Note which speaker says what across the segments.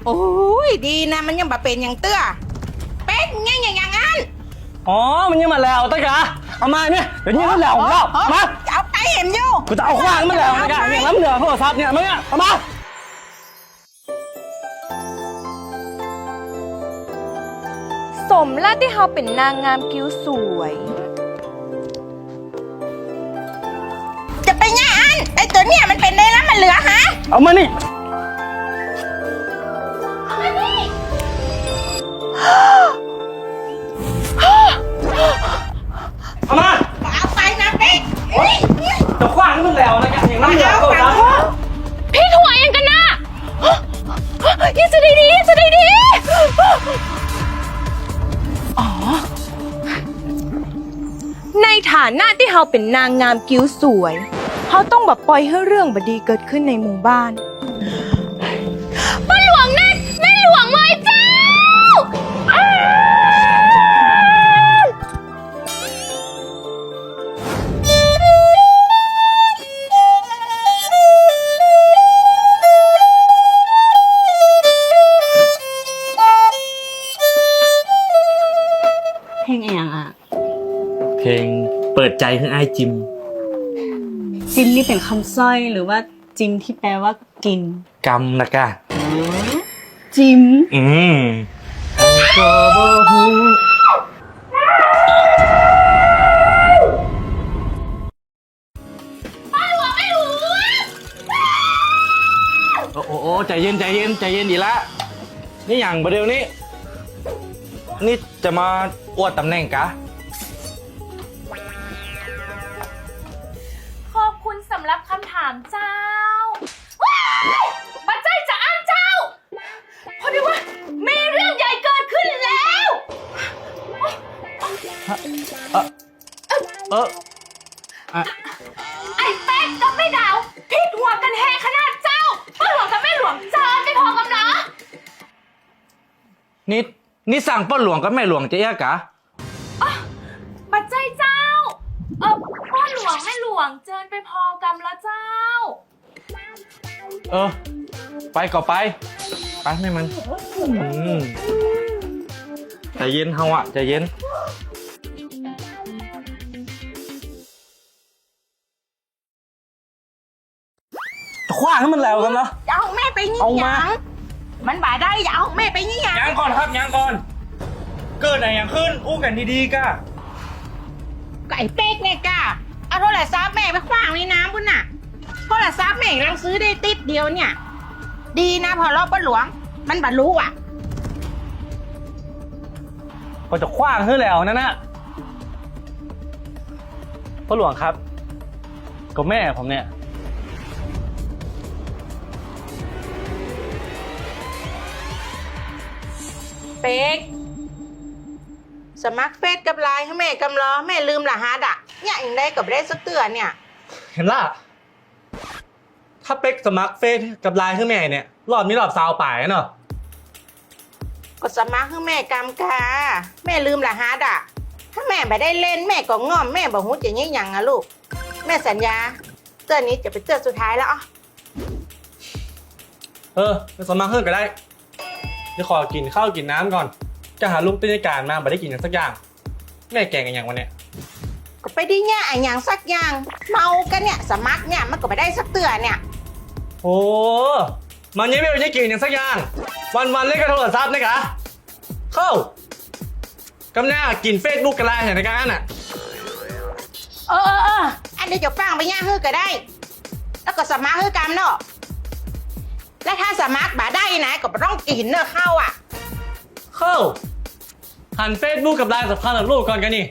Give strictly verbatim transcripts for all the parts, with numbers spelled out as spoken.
Speaker 1: โอ้ยดีนะมันยังบะเป็นอย่างเตื้อเป็ดไงอย่างอย่างนั้น
Speaker 2: อ๋อมันยังมาแล้วตะกะเอามาเนี่ยเดี๋ยวนี้มันแล้วแล้วมา
Speaker 1: จะเอาไปเห็นอยู่
Speaker 2: กูจะเอาขวางมันแล้วตะกะเนี่ยแล้วมันเหลือโทรศัพท์เนี่ยมาเนี่ยเอามา
Speaker 3: สมแล้วที่เขาเป็นนางงามคิ้วสวย
Speaker 1: จะไปง่ายอันไอตัวเนี่ยมันเป็นได้แล้วมันเหลือฮะ
Speaker 2: เอามานี่
Speaker 1: เอามานี่
Speaker 2: เอามา
Speaker 1: เอาไปนะเป็ด
Speaker 2: จะขวางมันแล้วตะกะอย่างนั้นเหลือโทรศัพท์
Speaker 3: พี่ถั่วยังกันนะยังจะได้ดียังจะได้ดีอ๋อในฐานะที่เขาเป็นนางงามคิ้วสวยเขาต้องแบบปล่อยให้เรื่องบดีเกิดขึ้นในหมู่บ้านป้าหลวงนั่นแม่หลวงเลยเจ้า
Speaker 4: เพลงอะไรอ่ะ
Speaker 2: เพลงเปิดใจคือไอ้จิม
Speaker 4: จิมนี่เป็นคำสร้อยหรือว่าจิมที่แปลว่ากิน
Speaker 2: กำนะกะ
Speaker 4: จิม
Speaker 2: อืมก็บ่ฮู้
Speaker 1: ป้าหลวงไม่รู้
Speaker 2: โอ้โอ้ใจเย็นใจเย็นใจเย็นดีละนี่อย่างประเดี๋ยวนี้นี่จะมาอวดตำแหน่งกะ
Speaker 3: ขอบคุณสำหรับคำถามเจ้าว้ายมาใจจะอ่านเจ้าเพราะดีว่ามีเรื่องใหญ่เกิดขึ้นแล้ว
Speaker 2: เออเออ
Speaker 3: ไอ้แป๊กกับแม่ดาวผิดหัวกันแหงขนาดเจ้าป้าหลวงกับแม่หลวงเจอไม่พอกันนะ
Speaker 2: นี่นี่สั่งป้าหลวงกับแม่หลวงจะแยกกะ
Speaker 3: มาใจเจ้าเออป้าหลวงแม่หลวงเจอไปพอกรรมแล้วเจ้า
Speaker 2: เออไปก็ไปไปไม่มันอืมใจเย็นเฮาอะใจเย็นขว้างให้มันแล้วกันเนาะ
Speaker 1: จะเอาแม่ไปนี่ยังมันบ่าได้จะเอาแม่ไปนี่ยัง
Speaker 2: ยังก่อนครับยังก่อนเกิดอะไรอย่างขึ้นอู้กันดีๆก้า
Speaker 1: ก็ไอ้เป็กเนี่ยก้าเอาโทรศัพท์แม่ไปขว้างในน้ำพุ่นน่ะโทรศัพท์แม่กำลังซื้อได้ติดเดียวเนี่ยดีนะพอรอบป้าหลวงมันบรรลุอ่ะ
Speaker 2: ก็จะขว้างให้แล้วนั่นนะป้าหลวงครับก็แม่ผมเนี่ย
Speaker 1: เป็กสมัครเฟซกับไลน์ให้แม่กำล้อแม่ลืมรหัสอ่ะเนี่ยอย่างได้กับได้สักเตือนเนี่ย
Speaker 2: เห็นล่ะถ้าเป็กสมัครเฟซกับไลน์ให้แม่เนี่ยรอบนี้รอบซาวป่ายเนาะ
Speaker 1: ก็สมัครให้แม่กำกาแม่ลืมรหัสอ่ะถ้าแม่ไม่ได้เล่นแม่ก็ง่อมแม่บอกหูจะยิ่งยังอะลูกแม่สัญญาเตือนนี้จะเป็นเตือนสุดท้ายแล้วอ่ะ
Speaker 2: เออไปสมัครเพิ่มก็ได้เดี๋ยวขอกินข้าวกินน้ำก่อนจะหาลูกต้นการมาไม่ได้กินอย่างสักอย่างแม่แกงกันอย่างวันเนี้ย
Speaker 1: ก็ไปได้เนี่ยไอ้อย่างสักอย่างเมากันเนี่ยสมัครเนี่ยมันก็ไปได้สักเตือนเนี่ย
Speaker 2: โอ้มันยังไม่ได้กินอย่างสักอย่างวันวันเล่นกับโทรศัพท์นะกะเข้ากำหน้ากินเฟซบุ๊กกันไรเห็นในการน่ะ
Speaker 1: เออเออเอออันนี้จะฟังไปย่างฮื้อก็ได้แล้วก็สมัครฮื้อกรรมเนาะและถ้าสมัครบ่ได้นะก็ต้องกินเนื้อเข้าอ่ะ
Speaker 2: เข้าหันเฟซบุ๊กกับไลน์สำคัญกับลูกก่อนกันนี่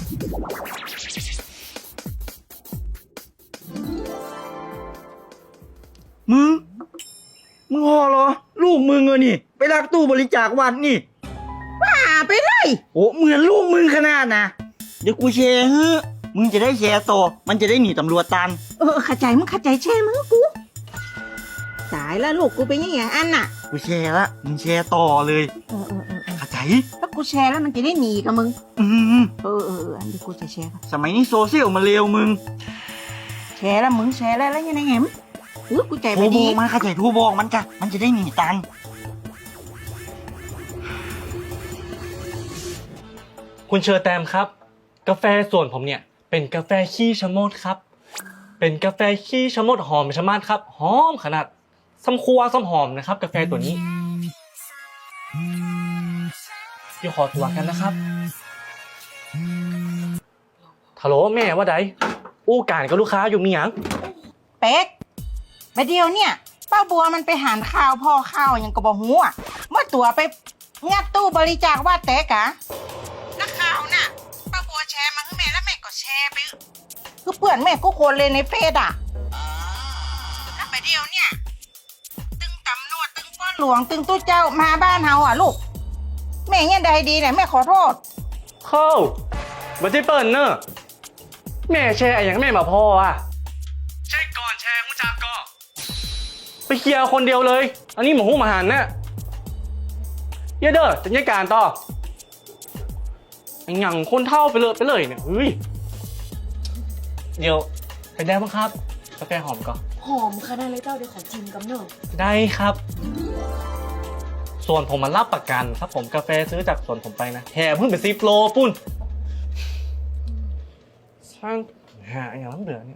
Speaker 5: มึงมึงห่อเหรอลูกมึงเออนี่ไปลักตู้บริจาควัดนี่
Speaker 1: ว่าไปเลย
Speaker 5: โอ้เหมือนลูกมึงขนาดนะเดี๋ยวกูแชร์เฮ้อมึงจะได้แชร์ต่อมันจะได้หนีตำรวจตัน
Speaker 1: เออเข้าใจมึงเข้าใจแช่มึงกูตายแล้วลูกกูเป็นยังไงอันน่ะ
Speaker 5: กูแชร์ละมึงแชร์ต่อเลย
Speaker 1: เออเออเออ
Speaker 5: เข้าใจ
Speaker 1: ถ้ากูแชร์แล้วมันจะได้หนีกับมึง
Speaker 5: อืม
Speaker 1: เออเออเอออันนี้กูจะแชร์
Speaker 5: สมัยนี้โซเชียลมันเร็วมึง
Speaker 1: แชร์แล้วมึงแชร์แล้วแล้วยังไงเห็มเออกูใจไปดี
Speaker 5: มาเข้าใจทูบอกมันจ้ะมันจะได้หนีตัน
Speaker 2: คุณเชอร์แตมครับ กาแฟส่วนผมเนี่ยเป็นกาแฟขี้ชะมดครับ เป็นกาแฟขี้ชะมดหอมชะมัดครับหอมขนาดซ้ำครัวซ้ำหอมนะครับ กาแฟตัวนี้เดี๋ยวขอตัวกันนะครับฮัลโหลแม่ว่าไดอู้การกับลูกค้าอยู่มีหยัง
Speaker 1: เป๊กไปเดียวเนี่ยป้าบัวมันไปหารข้าวพ่อข้าวยังก็บอกหัวเมื่อตัวไปงัดตู้บริจาคว่าแตกะนักข่าวน่ะป้าบัวแชร์มาให้แม่แล้วแม่ก็แชร์ไปคือเพื่อนแม่กูคนเลยในเฟซอ่ะแล้วไปเดียวเนี่ยตึงตำรวจตึงป้อนหลวงตึงตู้เจ้ามาบ้านเฮาอ่ะลูกแม่เนี่ยใดดีเนี่ยแม่ขอโทษ
Speaker 2: เข้าบัจิเปิลเนอะแม่แชร์อย่างแม่มาพออ่ะใช่ก่อนแชร์คุณจากก็ไปเคลียร์คนเดียวเลย อันนี้หมูหูหมาหันเนี่ยเยอะเด้อจัดการต่ออย่างคนเท่าไปเลยไปเลยเนี่ยเฮ้ยเดี๋ยวไปได้บ้างครับกาแฟหอมก่อน
Speaker 3: หอมขนาดเลยเจ้าเดี๋ยวขอชิมกับเนอะ
Speaker 2: ได้ครับ ส่วนผมมารับประกันครับผมกาแฟซื้อจากสวนผมไปนะแห่เพิ่งเป็นซีโปรปุ้นช่างหาอย่างนั้นเดือเนี่ย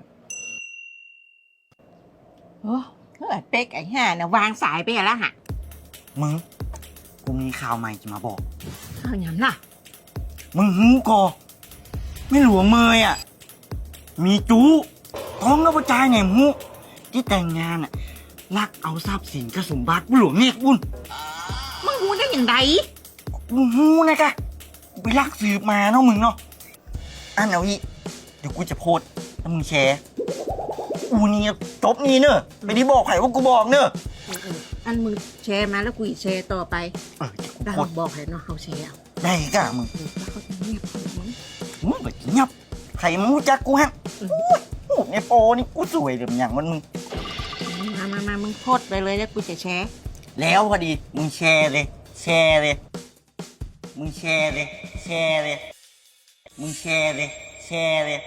Speaker 1: โอ้เฮ้ยเป๊กไอ้ห่านะวางสายไปแล้วฮะ
Speaker 5: มึงกูมีข่าวใหม่จะมาบอก
Speaker 1: เอาอย่างล่ะ
Speaker 5: มึงหูกอไม่หลวงเมยอ่ะมีจูท้องกระปจายเนี่ยหูที่แต่งงานอ่ะลักเอาทรัพย์สินกระสมบัติบุหลวงเนกบุญ
Speaker 1: มึงรู้ได้อย่างไร
Speaker 5: กูหูนะกะกูไปลักสืบมาเนาะมึงเนาะอันเอาอีเดี๋ยวกูจะโพสต์แล้วมึงแชร์กูนี่จบนี่เนอะไม่ได้บอกใครว่ากูบอกเนอะ
Speaker 1: อันมึงแชร์มาแล้วกูอีกแชร์ต่อไป
Speaker 5: เออเดี๋ยวกู
Speaker 1: เรา
Speaker 5: โพสต์
Speaker 1: บอกให้เนาะเขาแชร์เอา
Speaker 5: ได้กะมึง
Speaker 1: แล้วเขาจะเงียบของมึง
Speaker 5: มึงแบบเงียบใครมึงรู้จักกูฮะโอ้ในโปรนี่กูสวยเดี๋ยวอย่างมันมึง
Speaker 1: มามามามึงโพสต์ไปเลยแล้วกูจะแชร์
Speaker 5: แล้วพอดีมึงแชร์เลย แชร์เลย มึงแชร์เลย แชร์เลย มึงแชร์เลย แชร์เลย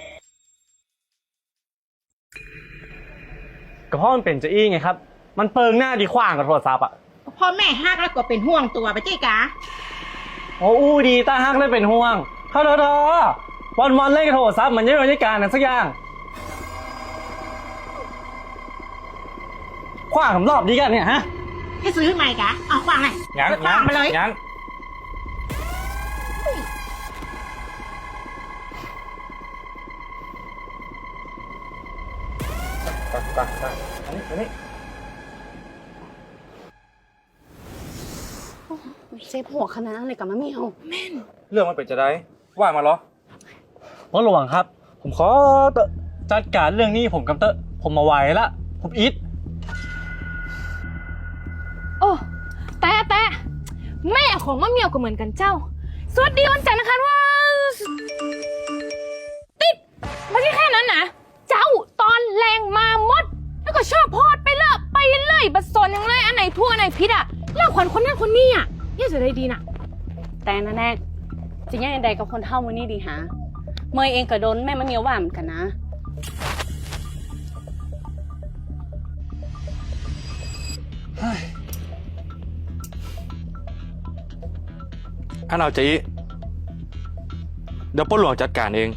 Speaker 2: ก็เพราะมันเป็นจะอี้ไงครับ มันเปิงหน้าดีขว้างกับโทรศัพท์อ่ะ
Speaker 1: พ่อแม่ฮักแล้วก็เป็นห่วงตัวไปเจ๊กะ
Speaker 2: โอ้อู้ดีตาฮักเลยเป็นห่วงเท่าเด้อวันวันๆเล่นกับโทรศัพท์มันยังไม่ได้การนั่นสักอย่างขว้างผมรอบดีกันเนี่ยฮะ
Speaker 1: ให้ซื้อใหม่กะเอาควางเลย
Speaker 2: ยัง
Speaker 1: ควางไปเลย
Speaker 2: ยังตักตักตักอันนี้อันนี้
Speaker 4: เจ็บหัวขนาดนั้นเลยกับมะเมียว
Speaker 2: เรื่องมันเป็นจะได้ว่ามาเหรอพ่อหลวงครับ ผมขอเตอะจัดการเรื่องนี้ผมกำเตอะผมมาไหวละผมอิด
Speaker 3: โอ้แต่แต่แม่ของมะเหมียวก็เหมือนกันเจ้า สวัสดีวันจันทร์นะคะว่าติดไม่ใช่แค่นั้นนะเจ้าตอนแรงมาหมด แล้วก็ชอบโพอดไปเลยไปเลยบัดซนยังเลยอันไหนทั่วอันไหนพิษอ่ะเล่าขวัญคนนั้นคนนี้อ่ะเนี่ยจะได้ดีน่ะ
Speaker 4: แต่นะแน่จะยังใดกับคนเท่ามือนี่ดีฮะเมยเองก็โดนแม่มะเมียวว่าเหมือนกันนะ
Speaker 6: อันเอาจีเดี๋ยวป้นหลวงจัดการเอง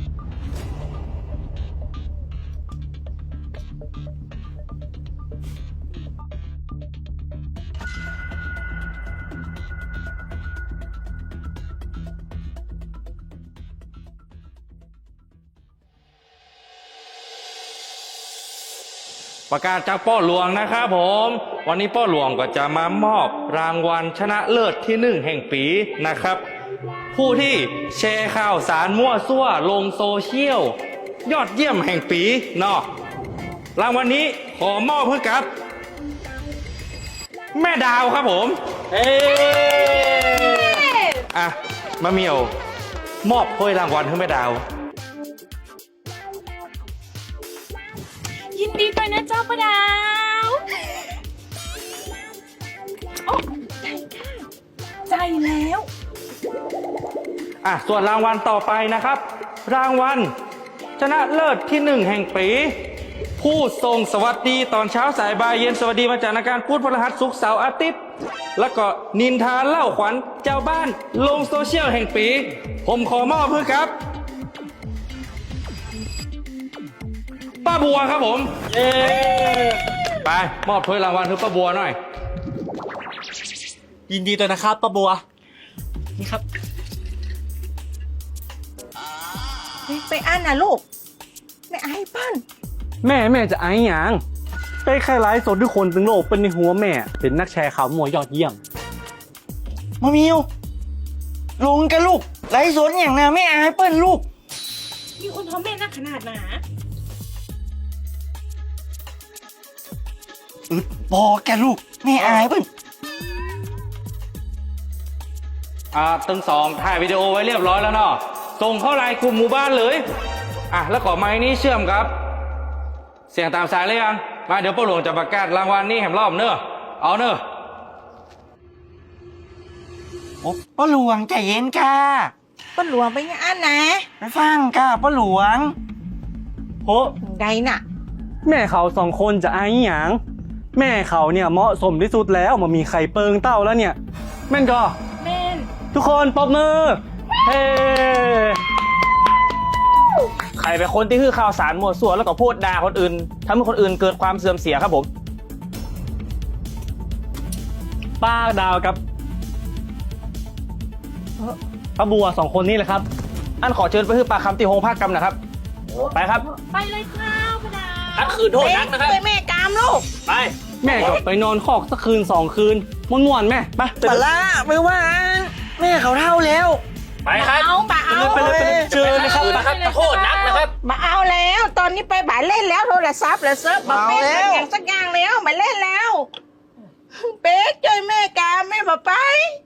Speaker 6: ประกาศจากป้อหลวงนะครับผม วันนี้ป้อหลวงก็จะมามอบรางวัลชนะเลิศที่หนึ่งแห่งปีนะครับ ผู้ที่แชร์ข่าวสารมั่วซั่วลงโซเชียล ยอดเยี่ยมแห่งปีเนาะรางวัลนี้ขอมอบให้กับ แม่ดาวครับผม
Speaker 2: เอ้
Speaker 6: อ่ะมะเหมียว มอบถ้วยรางวัลให้แม่ดาว
Speaker 3: ยินดีด้วยนะเจ้าประดาวโอ้ใจค่ะใจแล้ว
Speaker 6: อ่ะส่วนรางวัลต่อไปนะครับ รางวัลชนะเลิศที่หนึ่งแห่งปี ผู้ทรงสวัสดีตอนเช้าสายบ่ายเย็นสวัสดีมาจากนาการพูดพฤหัสศุกร์เสาร์อาทิตย์แล้วก็นินทาเล่าขวัญเจ้าบ้านลงโซเชียลแห่งปี ผมขอมอบเพื่อครับ ป้าบัวครับผม เย้ไปมอบถ้วยรางวัลให้ป้าบัวหน่อย
Speaker 2: ยินดีด้วยนะครับป้าบัว นี่ครับ
Speaker 1: ไปอ่านนะลูก ไม่อายเปิ้ล
Speaker 2: แม่แม่จะไอ้หยังได้แค่ไลฟ์สดทุกคนตึงโลกเป็นในหัวแม่ เป็นนักแชร์ข่าวมวยยอดเยี่ยม
Speaker 5: มามิวลงกันลูกไร้สนอย่างน่ะไม่อายเปิ้ลลูก
Speaker 3: มีคนท้องแม่นักขนาดหนา
Speaker 5: อึดบอกแกลูกไม่อายเปิ้ล
Speaker 6: อ่าตึงสองถ่ายวิดีโอไว้เรียบร้อยแล้วเนาะส่งเข้าไลน์กลุ่มหมู่บ้านเลย อ่ะแล้วก็ไม้นี้เชื่อมครับ เสียงตามสายเลยยัง มาเดี๋ยวป้าหลวงจะประกาศรางวัลนี้แหมรอบเนอะเอาเนอะ
Speaker 5: โอ้ป้าหลวงใจเย็นค่ะ
Speaker 1: เปิ้ลหลวงไปยังอ่านนะ
Speaker 5: ไปฟังค่ะป้าหลวง
Speaker 2: โอ้
Speaker 1: ใดน่ะ
Speaker 2: แม่เขาสองคนจะไอ้หยังแม่เขาเนี่ยเหมาะสมที่สุดแล้วมามีไข่เปิงเต้าแล้วเนี่ย แม่นก็
Speaker 3: แม่น
Speaker 2: ทุกคนปรบมือ เฮ้
Speaker 7: ใครเป็นคนที่คือข่าวสารมั่วซั่วแล้วก็พูดด่าคนอื่นทำให้คนอื่นเกิดความเสื่อมเสียครับผม
Speaker 2: ป้าดาวกับป้าบัวสองคนนี้แหละครับ
Speaker 7: อันขอเชิญไปคือปากคำที่โฮงภาคกรรมนะครับ ไปครับ
Speaker 3: ไปเลยครับพระดา
Speaker 7: อันคืนโทษนักนะครับ
Speaker 1: ไปแม่กามลูก
Speaker 7: ไป
Speaker 2: แม่ก็ไปนอนคอกสักคืนสองคืนม่วนๆแม่ไป
Speaker 5: ปลาละไม่ว่าแม่เขาเท่าแล้ว
Speaker 7: ไปครับ
Speaker 1: เอาบ่เอา
Speaker 2: ไปเลยไปเลยเจอเลยครับ
Speaker 7: คืนนะครับโทษนักนะครับ
Speaker 1: บ่เอาแล้ว ตอนนี้ไปบ่ายเล่นแล้วโทรศัพท์แล้วเซิร์ฟบอกแม่
Speaker 5: เอาแล้ว
Speaker 1: อย่างสักอย่างแล้วบ่ายเล่นแล้ว เป๊กช่วยแม่กามแม่บ่ไป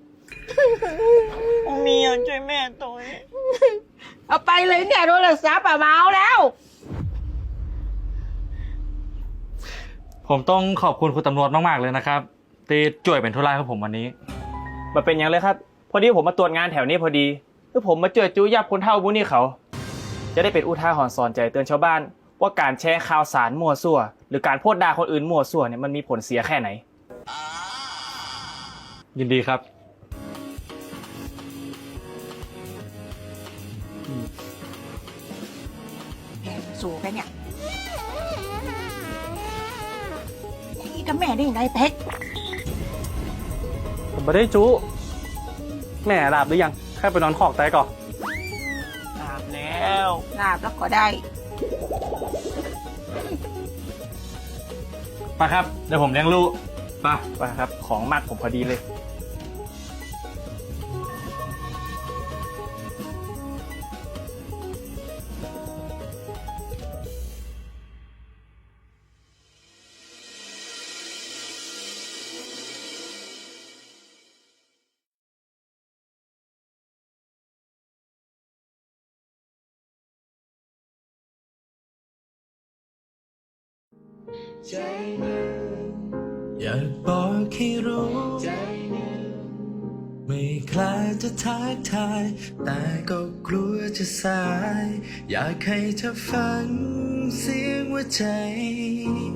Speaker 5: เมียช่วยแม่ตัวเอง
Speaker 1: เอาไปเลยเนี่ยโทรศัพท์อะบ่เอาแล้ว
Speaker 6: ผมต้องขอบคุณคุณตำรวจมากๆเลยนะครับที่ช่วยเป็นธุระให้ผมวันนี้
Speaker 7: มาเป็นอย่างเลยครับ พอดีผมมาตรวจงานแถวนี้พอดีคือผมมาเจอจู้ยับคนเท่าบุนี่เขา จะได้เป็นอุทาหรณ์สอนใจเตือนชาวบ้าน ว่าการแชร์ข่าวสารมั่วซั่ว หรือการโพสต์ด่าคนอื่นมั่วซั่วเนี่ยมันมีผลเสียแค่ไหน
Speaker 6: ยินดีครับ
Speaker 1: สู้กันเนี่ยนี่กับแม่ได้ยังไงเป๊ก
Speaker 2: ผมไม่ได้จุแม่หลับหรือยังแค่ไปนอนคอกแต่ก่อน
Speaker 5: ตามแล้ว
Speaker 1: ลาบแล้วก็ได้
Speaker 6: ไปครับ เดี๋ยวผมเลี้ยงลูกไป
Speaker 7: ไปครับ ของมากผมพอดีเลย
Speaker 8: ใจหนึ่งอยากบอกให้รู้ใจหนึ่งไม่คลายจะทักทาย แต่ก็กลัวจะสาย อยากให้เธอฟังเสียงหัวใจ